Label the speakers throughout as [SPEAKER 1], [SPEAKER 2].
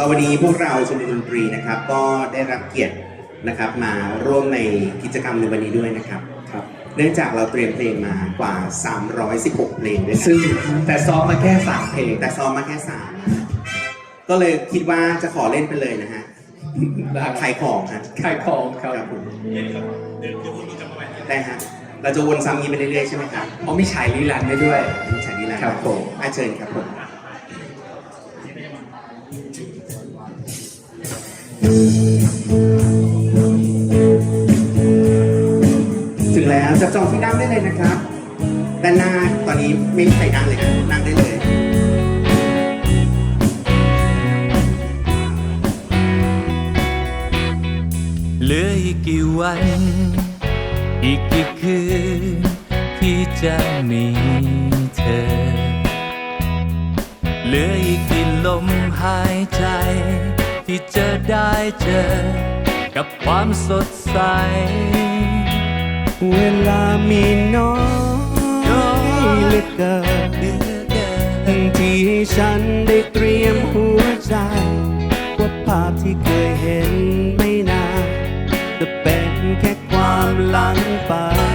[SPEAKER 1] ก็วันนี้พวกเราชมรมดนตรีนะครับก็ได้รับเกียรตินะครับมาร่วมในกิจกรรมในวันนี้ด้วยนะครับเนื่องจากเราเตรียมเพลงมากว่า316เพลงด้วย
[SPEAKER 2] ซึ่งแต่ซ้อมมาแค่3เพลง
[SPEAKER 1] แต่ซ้อมมาแค่3ก็เลยคิดว่าจะขอเล่นไปเลยนะฮะขายของฮะ
[SPEAKER 2] ขายของครับ
[SPEAKER 1] ผมได้ฮะเราจะวนซ้ำนี้ไปเรื่อยๆใช่ไหมครับ
[SPEAKER 2] มีฉายลีลาได้ด้วย
[SPEAKER 1] มีฉายลีลา
[SPEAKER 2] ครับผม
[SPEAKER 1] เชิญครับผมถึงแล้วจับจองที่นั่งได้เลยนะครับด้านหน้าตอนนี้ไม่มีใครนั่งเลยนะนั่งได้เลย
[SPEAKER 3] เหลืออีกกี่วันอีกกี่คืนที่จะมีเธอเหลืออีกกี่ลมหายใจที่จะได้เจอกับความสดใส
[SPEAKER 4] เวลามีน้อยเหลือเกินที่ให้ฉันได้เตรียมหัวใจว่าภาพที่เคยเห็นไม่นานจะเป็นแค่ความหลังไป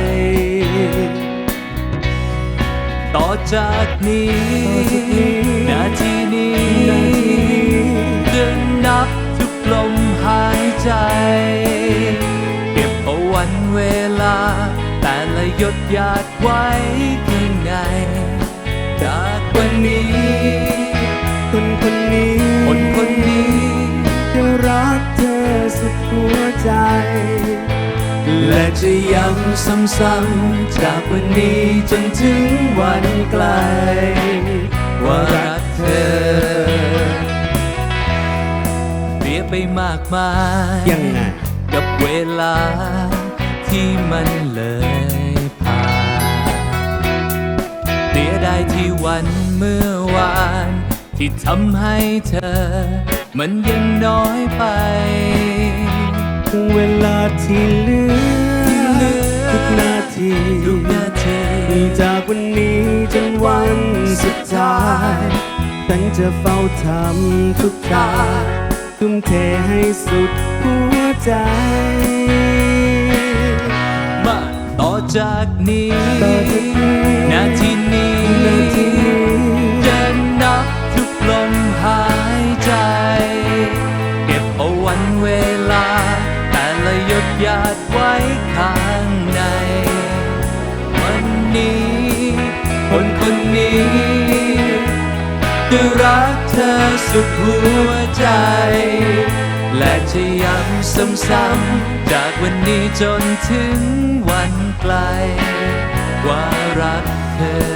[SPEAKER 3] ต่อจากนี้นาทีนี้จะนับทุกลมหายใจเก็บเอาวันเวลาแต่ละหยดหยาดไว้ข้างในจากวันนี้
[SPEAKER 4] คนนี้จะรักเธอสุดหัวใจ
[SPEAKER 3] และจะย้ำซ้ำๆจากวันนี้จนถึงวันไกลว่ารักเธอเปรียบไปมากมาย
[SPEAKER 4] ยังไง
[SPEAKER 3] กับเวลาที่มันเลยผ่านเสียดายที่วันเมื่อวานที่ทำให้เธอมันยังน้อยไป
[SPEAKER 4] เวลาที่เหลือทุกนาทีจากวันนี้จนวันสุดท้ายฉันจะเฝ้าทำทุกอย่างทุ่มเทให้สุดหัวใจ
[SPEAKER 3] มาต่อจากนี้นาทีนี้จะนับทุกลมหายใจเก็บเอาวันเวลาแต่ละหยดหยาดไว้ข้างในวันนี้คนนี้จะรักเธอสุดหัวใจและจะย้ำซ้ำๆจากวันนี้จนถึงวันไกลว่ารักเธอ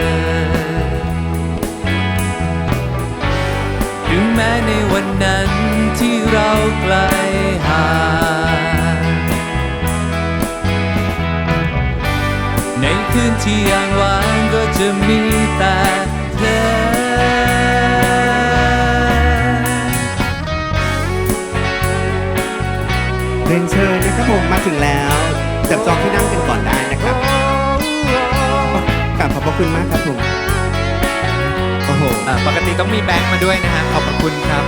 [SPEAKER 3] ถึงแม้ในวันนั้นที่เราไกลห่างในคืนที่ยังว่างก็จะมีแต่เธอ
[SPEAKER 1] เรียนเชิญนะครับผมมาถึงแล้วจับจองที่นั่งกันก่อนได้นะครับกราบขอบพระคุณมากครับผม
[SPEAKER 2] โอ้โหปกติต้องมีแบงค์มาด้วยนะฮะขอบพระคุณครับ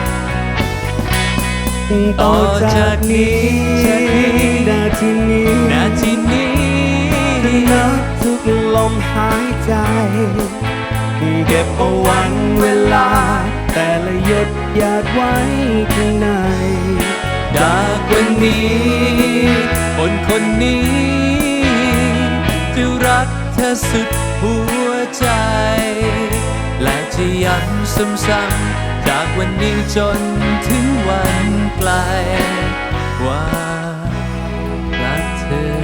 [SPEAKER 4] ต่อจากนี้นาทีนี้นับทุกลมหายใจเก็บเอาวันเวลาแต่ละหยดหยาดไว้ข้างใน
[SPEAKER 3] จากวันนี้คนนี้จะรักเธอสุดหัวใจและจะย้ำซ้ำๆจากวันนี้จนถึงวันไกลว่ารักเธอ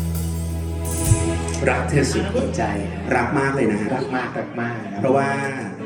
[SPEAKER 2] รักเธอสุดหัวใจ
[SPEAKER 1] รักมากเลยนะฮะ
[SPEAKER 2] รักมาก
[SPEAKER 1] เพราะว่า